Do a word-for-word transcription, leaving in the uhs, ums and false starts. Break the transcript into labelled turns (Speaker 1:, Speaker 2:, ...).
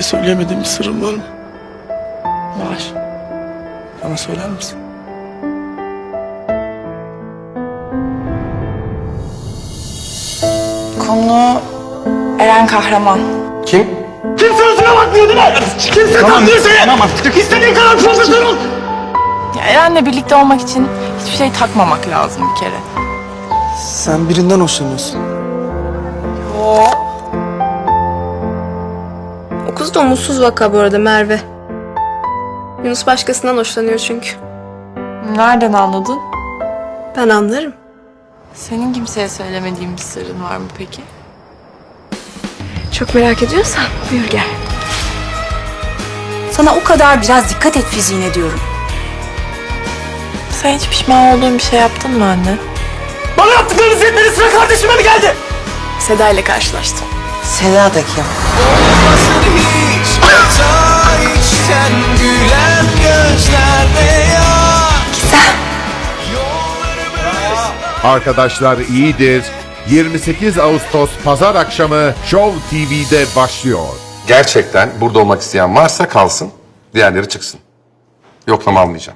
Speaker 1: kimseye söyleyemediğim bir sırrın var mı? Var. Bana söyler misin?
Speaker 2: Konu Eren Kahraman.
Speaker 1: Kim?
Speaker 3: Kimse yüzüne bakmıyor değil mi? Kimse
Speaker 1: Tamam,
Speaker 3: takmıyor seni.
Speaker 1: tamam artık.
Speaker 3: İstediğin kadar profesör ol.
Speaker 2: Ya Eren'le birlikte olmak için hiçbir şey takmamak lazım bir kere.
Speaker 1: Sen birinden hoşlanıyorsun.
Speaker 2: Oo.
Speaker 4: O kız da umutsuz vaka bu arada, Merve. Yunus başkasından hoşlanıyor çünkü.
Speaker 2: Nereden anladın?
Speaker 4: Ben anlarım.
Speaker 2: Senin kimseye söylemediğin bir sırrın var mı peki?
Speaker 4: Çok merak ediyorsan buyur gel.
Speaker 5: Sana o kadar biraz dikkat et fiziğine diyorum.
Speaker 2: Sen hiç pişman olduğun bir şey yaptın mı anne?
Speaker 3: Bana yaptıklarınız yetmedi, sıra kardeşime mi geldi?
Speaker 4: Seda ile karşılaştım.
Speaker 5: Seda da kim?
Speaker 6: Arkadaşlar iyidir. yirmi sekiz Ağustos Pazar akşamı Show T V'de başlıyor.
Speaker 7: Gerçekten burada olmak isteyen varsa kalsın, diğerleri çıksın. Yoklama almayacağım.